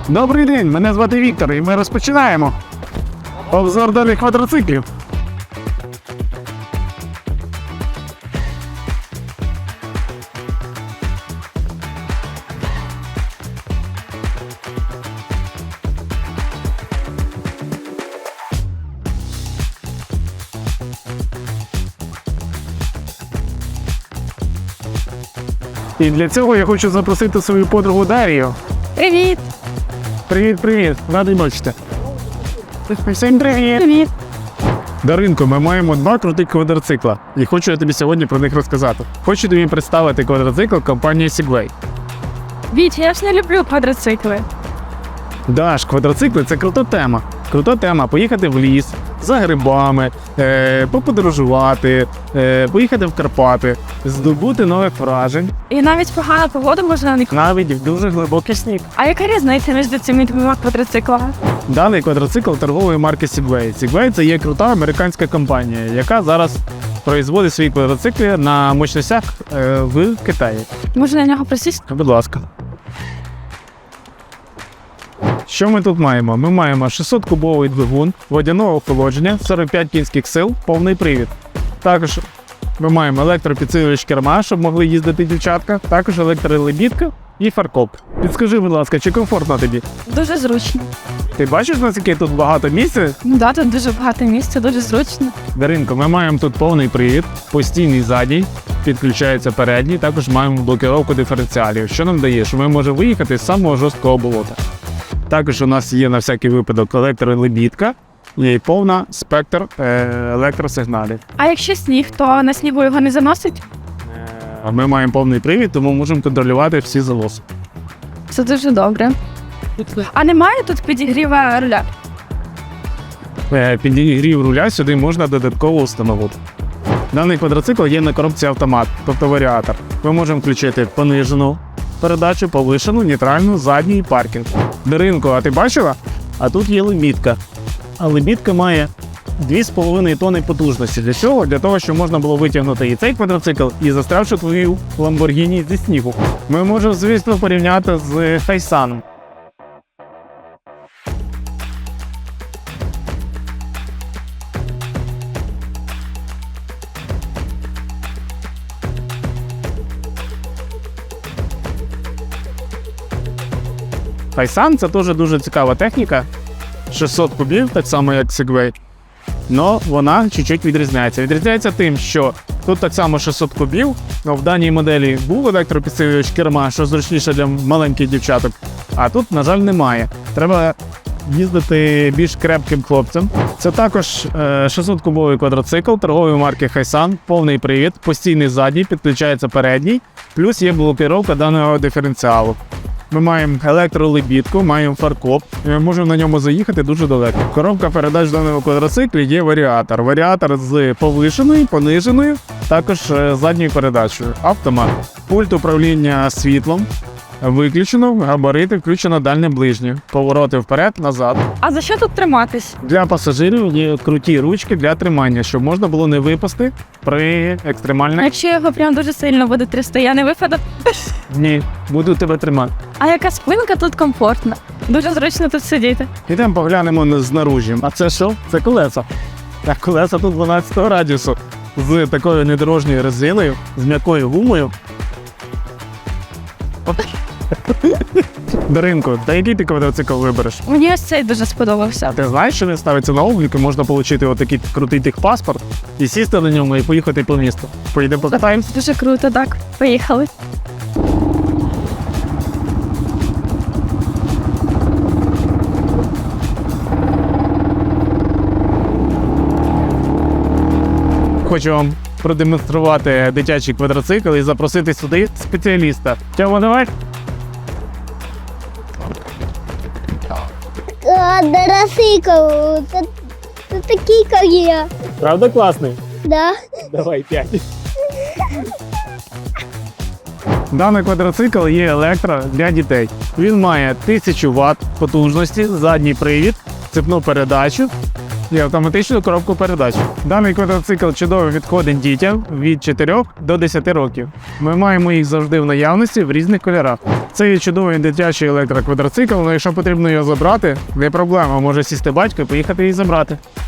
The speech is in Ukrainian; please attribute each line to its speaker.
Speaker 1: Добрий день, мене звати Віктор, і ми розпочинаємо обзор даних квадроциклів. І для цього я хочу запросити свою подругу Дарію.
Speaker 2: Привіт!
Speaker 1: Привіт, радий бачити. Всім привіт!
Speaker 2: Привіт!
Speaker 1: Даринко, ми маємо два крутих квадроцикла, і хочу я тобі сьогодні про них розказати. Хочу тобі представити квадроцикл компанії Segway.
Speaker 2: Віть, я ж не люблю квадроцикли.
Speaker 1: Даш, квадроцикли – це крута тема. Крута тема – поїхати в ліс, за грибами, поподорожувати, поїхати в Карпати, здобути нових вражень.
Speaker 2: І навіть погана погода можна на них.
Speaker 1: Навіть в дуже глибокий сніг.
Speaker 2: А яка різниця між цими двома квадроциклами?
Speaker 1: Даний квадроцикл торгової марки Segway. Segway – це є крута американська компанія, яка зараз производить свої квадроцикли на мощностях в Китаї.
Speaker 2: Можна на нього присісти?
Speaker 1: Будь ласка. Що ми тут маємо? Ми маємо 600-кубовий двигун, водяного охолодження, 45 кінських сил, повний привід. Також ми маємо електропідсилювач керма, щоб могли їздити дівчатка, також електролебідка і фаркоп. Підскажи, будь ласка, чи комфортно тобі?
Speaker 2: Дуже зручно.
Speaker 1: Ти бачиш, наскільки тут багато місця?
Speaker 2: Ну да, тут дуже багато місця, дуже зручно.
Speaker 1: Даринко, ми маємо тут повний привід, постійний задній, підключається передній, також маємо блокировку диференціалів, що нам дає, що ми можемо виїхати з самого жорсткого болота. Також у нас є на всякий випадок електролебідка і повна спектр електросигналів.
Speaker 2: А якщо сніг, то на снігу його не заносить?
Speaker 1: Ми маємо повний привід, тому можемо контролювати всі залози.
Speaker 2: Це дуже добре. А немає тут підігріва руля?
Speaker 1: Підігрів руля сюди можна додатково встановити. Даний квадроцикл є на коробці автомат, тобто варіатор. Ми можемо включити понижену передачу, повишену, нейтральну, задній паркінг. Даринко, а ти бачила? А тут є лебідка. А лебідка має 2,5 тонни потужності. Для чого? Для того, щоб можна було витягнути і цей квадроцикл, і застрявши твою Lamborghini зі снігу. Ми можемо, звісно, порівняти з Хайсаном. Хайсан – це теж дуже цікава техніка. 600 кубів, так само як Segway. Но вона чуть-чуть відрізняється. Відрізняється тим, що тут так само 600 кубів, але в даній моделі був електропідсилювач керма, що зручніше для маленьких дівчаток. А тут, на жаль, немає. Треба їздити більш крепким хлопцям. Це також 600-кубовий квадроцикл торгової марки Хайсан, повний привід, постійний задній, підключається передній, плюс є блокировка даного диференціалу. Ми маємо електролебідку, маємо фаркоп, і ми можемо на ньому заїхати дуже далеко. Коробка передач в даному квадроциклі є варіатор. Варіатор з повишеною, пониженою, також задньою передачею. Автомат. Пульт управління світлом. Виключено, габарити, включено дальнє ближнє. Повороти вперед, назад.
Speaker 2: А за що тут триматись?
Speaker 1: Для пасажирів є круті ручки для тримання, щоб можна було не випасти при
Speaker 2: А
Speaker 1: екстремальних...
Speaker 2: якщо його прям дуже сильно буде трясти, я не випаду?
Speaker 1: Ні, буду тебе тримати.
Speaker 2: А яка спинка тут комфортна? Дуже зручно тут сидіти.
Speaker 1: Ідемо поглянемо знаружі. А це що? Це колеса. Так, колеса тут 12 радіусу. З такою недорожньою резиною, з м'якою гумою. Даринко, та який ти квадроцикл вибереш?
Speaker 2: Мені ось цей дуже сподобався.
Speaker 1: Ти знаєш, що він ставиться на облік і можна отримати отакий крутий техпаспорт і сісти на ньому і поїхати по місту. Поїдемо покатаємося?
Speaker 2: Дуже круто, так. Поїхали.
Speaker 1: Хочу вам продемонструвати дитячий квадроцикл і запросити сюди спеціаліста. Тьома, давай.
Speaker 3: Квадроцикл, це такий, як я.
Speaker 1: Правда класний?
Speaker 3: Да.
Speaker 1: Давай 5. Даний квадроцикл є електро для дітей. Він має 1000 Вт потужності, задній привід, цепну передачу, і автоматичну коробку передач. Даний квадроцикл чудово підходить дітям від 4 до 10 років. Ми маємо їх завжди в наявності в різних кольорах. Це є чудовий дитячий електроквадроцикл, але якщо потрібно його забрати, не проблема, може сісти батько і поїхати її забрати.